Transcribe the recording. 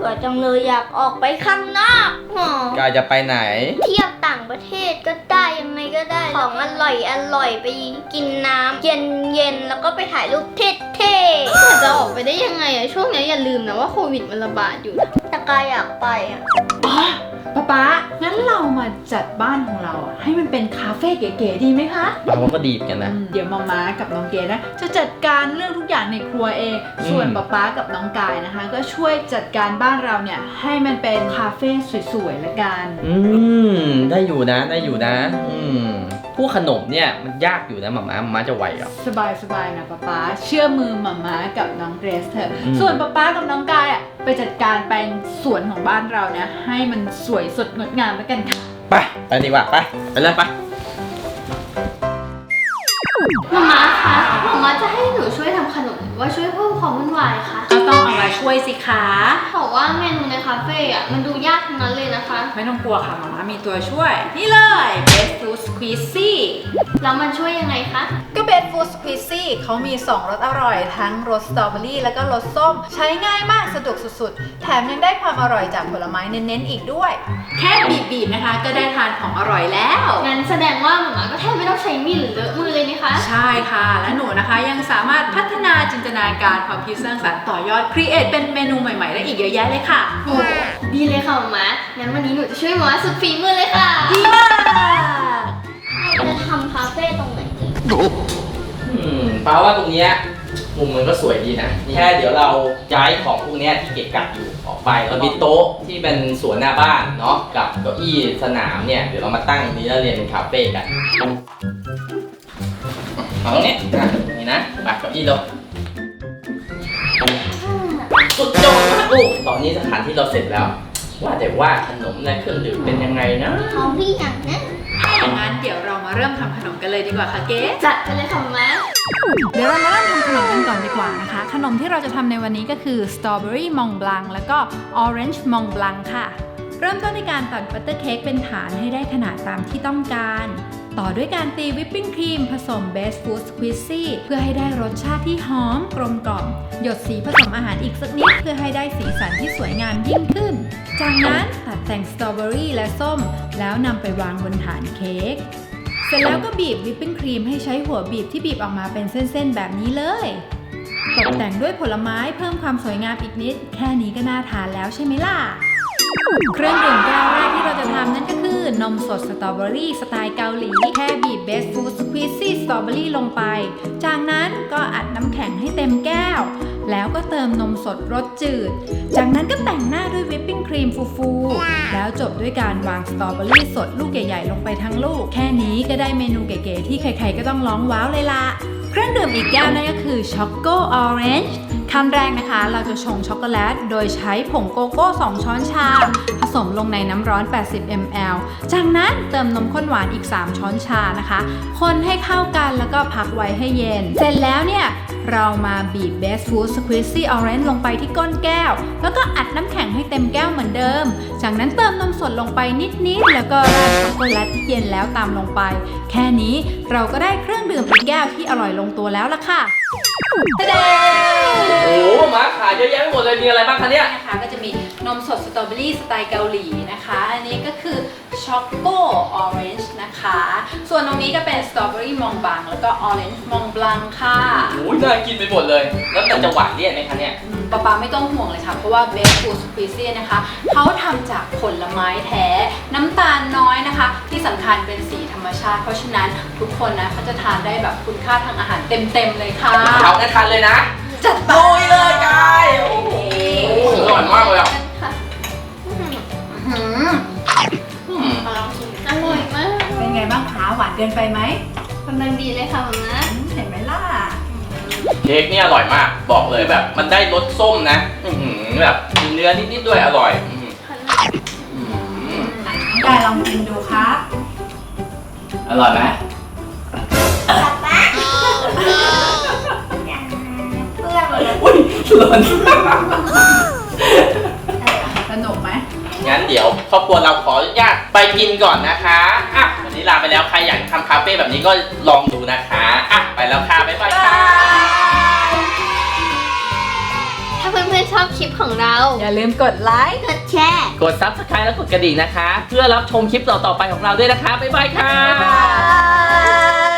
บื่อจังเลยอยากออกไปข้างนอกกายจะไปไหนเที่ยวต่างประเทศก็ได้ยังไงก็ได้ของอร่อยไปกินน้ำเย็นแล้วก็ไปถ่ายรูปเท่ๆจะออกไปได้ยังไงอะช่วงนี้อย่าลืมนะว่าโควิดมันระบาดอยู่นะแต่กายอยากไปอะป๊างั้นเรามาจัดบ้านของเราให้มันเป็นคาเฟ่เก๋ๆดีไหมคะเราก็ดีกันนะเดี๋ยวมากับน้องเกดนะจะจัดการเรื่องทุกอย่างในครัวเองส่วนป๊ากับน้องกายนะคะก็ช่วยจัดการบ้านเราเนี่ยให้มันเป็นคาเฟ่สวยๆละกันได้อยู่นะผู้ขนมเนี่ยมันยากอยู่นะหม่าจะไหวเหรอสบายนะป๊าเชื่อมือหม่ากับน้องเกรซเถอะส่วนป๊ากับน้องกายไปจัดการแปลงสวนของบ้านเราเนี่ยให้มันสวยสดงดงามแล้วกันค่ะไปดีกว่าไปเลยไปมาคะมาจะให้หนูช่วยทำขนมว่าช่วยเพิ่มความวุ่นวายคะก็ต้องเอามาช่วยสิคะบอกว่าเมนูในคาเฟ่มันดูยากทั้งนั้นเลยนะคะไม่ต้องกลัวค่ะมามีตัวช่วยนี่เลย Best Food Squeezy แล้วมันช่วยยังไงคะก็ Best Food Squeezy เขามี2รสอร่อยทั้งรสสตรอเบอรี่แล้วก็รสส้มใช้ง่ายมากสะดวกสุดๆแถมยังได้ความอร่อยจากผลไม้เน้นๆอีกด้วยแค่บีบนะคะก็ได้ทานของอร่อยแล้วงั้นแสดงว่าหม่าก็แทบไม่ต้องใช้มีดหรือเลอะมือเลยนะคะใช่ค่ะและหนูนะคะยังสามารถพัฒนาจินตนาการความคิดสร้างสรรค์ต่อยอดครีเอทเป็นเมนูใหม่ๆได้อีกเยอะแยะเลยค่ะโอ้ดีเลยค่ะหม่างั้นวันนี้หนูจะช่วยหม่าสุดฝีมือเลยค่ะดีมากจะทำคาเฟ่ตรงไหนดีป้าว่าตรงนี้มุมมันก็สวยดีนะแค่เดี๋ยวเราย้ายของพวกนี้ที่เกะกะอยู่ออกไปแล้วมีโต๊ะที่เป็นสวนหน้าบ้านเนาะกับเก้าอี้สนามเนี่ยเดี๋ยวเรามาตั้งนี้แล้วเรียนเป็นคาเฟ่กันเอาตรงนี้นี่นะมาเก้าอี้ลงสุดยอดมากลูกตอนนี้สถานที่เราเสร็จแล้วว่าแต่ว่าขนมและเครื่องดื่มเป็นยังไงนะของพี่อย่างนั้นงั้นเดี๋ยวเรามาเริ่มทำขนมกันเลยดีกว่าค่ะเก๊จัดไปเลยค่ะแม่เดี๋ยวเรามาเริ่มทำขนมกันก่อนดีกว่านะคะขนมที่เราจะทำในวันนี้ก็คือสตรอเบอรี่มองบลังแล้วก็ออเรนจ์มองบลังค่ะเริ่มต้นในการตัดบัตเตอร์เค้กเป็นฐานให้ได้ขนาดตามที่ต้องการต่อด้วยการตีวิปปิ้งครีมผสมเบสฟูดสควีซซี่เพื่อให้ได้รสชาติที่หอมกลมกล่อมหยดสีผสมอาหารอีกสักนิดเพื่อให้ได้สีสันที่สวยงามยิ่งขึ้นจากนั้นตัดแต่งสตรอเบอรี่และส้มแล้วนำไปวางบนฐานเค้กเสร็จแล้วก็บีบวิปปิ้งครีมให้ใช้หัวบีบที่บีบออกมาเป็นเส้นๆแบบนี้เลยตกแต่งด้วยผลไม้เพิ่มความสวยงามอีกนิดแค่นี้ก็น่าทานแล้วใช่ไหมล่ะเครื่องดื่มแก้วแรกที่เราจะทำนั่นก็คือนมสดสตรอเบอรี่สไตล์เกาหลีแค่บีบเบสฟูดสควีซี่สตรอเบอรี่ลงไปจากนั้นก็อัดน้ำแข็งให้เต็มแก้วแล้วก็เติมนมสดรสจืดจากนั้นก็แต่งหน้าด้วยวิปปิ้งครีมฟูๆแล้วจบด้วยการวางสตรอเบอรี่สดลูกใหญ่ๆลงไปทั้งลูกแค่นี้ก็ได้เมนูเก๋ๆที่ใครๆก็ต้องร้องว้าวเลยล่ะเครื่องดื่มอีกแก้วนั่นก็คือช็อกโกออเรนจ์ขั้นแรกนะคะเราจะชงช็อกโกแลตโดยใช้ผงโกโก้2ช้อนชาผสมลงในน้ำร้อน80 ml จากนั้นเติมนมข้นหวานอีก3ช้อนชานะคะคนให้เข้ากันแล้วก็พักไว้ให้เย็นเสร็จแล้วเนี่ยเรามาบีบ Best Food Squeezy Orange ลงไปที่ก้นแก้วแล้วก็อัดน้ำแข็งให้เต็มแก้วเหมือนเดิมจากนั้นเติมนมสดลงไปนิดๆแล้วก็ราดช็อกโกแลตที่เย็นแล้วตามลงไปแค่นี้เราก็ได้เครื่องดื่มอีกแก้วที่อร่อยลงตัวแล้วล่ะค่ะทะเดโอ้มาขายเยอะแยะไปหมดเลยมีอะไรบ้างคะเนี่ยนะคะก็จะมีนมสดสตรอเบอรี่สไตล์เกาหลีนะคะอันนี้ก็คือช็อกโกออเรนจ์นะคะส่วนตรงนี้ก็เป็นสตรอเบอรี่มองบลังแล้วก็ออเรนจ์มองบลังค่ะโอ้ยน่ากินไปหมดเลยแล้วมันจะหวานเลี่ยนไหมคะเนี่ยป๊าไม่ต้องห่วงเลยค่ะเพราะว่าเบสฟูดสควีซี่นะคะเขาทำจากผลไม้แท้น้ำตาลน้อยนะคะที่สำคัญเป็นสีธรรมชาติเพราะฉะนั้นทุกคนนะเขาจะทานได้แบบคุณค่าทางอาหารเต็มเลยค่ะเอางั้นทานเลยนะจัดไปเลยกายโอ้โหอร่อยมากเลยอ่ะอร่อยมากเป็นไงบ้างคะหวานเกินไปไหมกำลังดีเลยค่ะนะเห็นไหมล่ะเค้กนี่อร่อยมากบอกเลยแบบมันได้รสส้มนะแบบมีเนื้อนิดๆด้วยอร่อยได้ลองกินดูครับอร่อยไหมอุ้ยหล่นสนุกไหมงั้นเดี๋ยวครอบครัวเราขออนุญาตไปกินก่อนนะคะอ่ะวันนี้ลาไปแล้วใครอยากทำคาเฟ่แบบนี้ก็ลองดูนะคะอ่ะไปแล้วค่ะบ๊ายบายค่ะถ้าเพื่อนพื่อนๆชอบคลิปของเราอย่าลืมกดไลค์กดแชร์กด Subscribe และกดกระดิ่งนะคะ เพื่อรับชมคลิปต่อๆไปของเราด้วยนะคะ บ๊ายบายค่ะบ๊ายบาย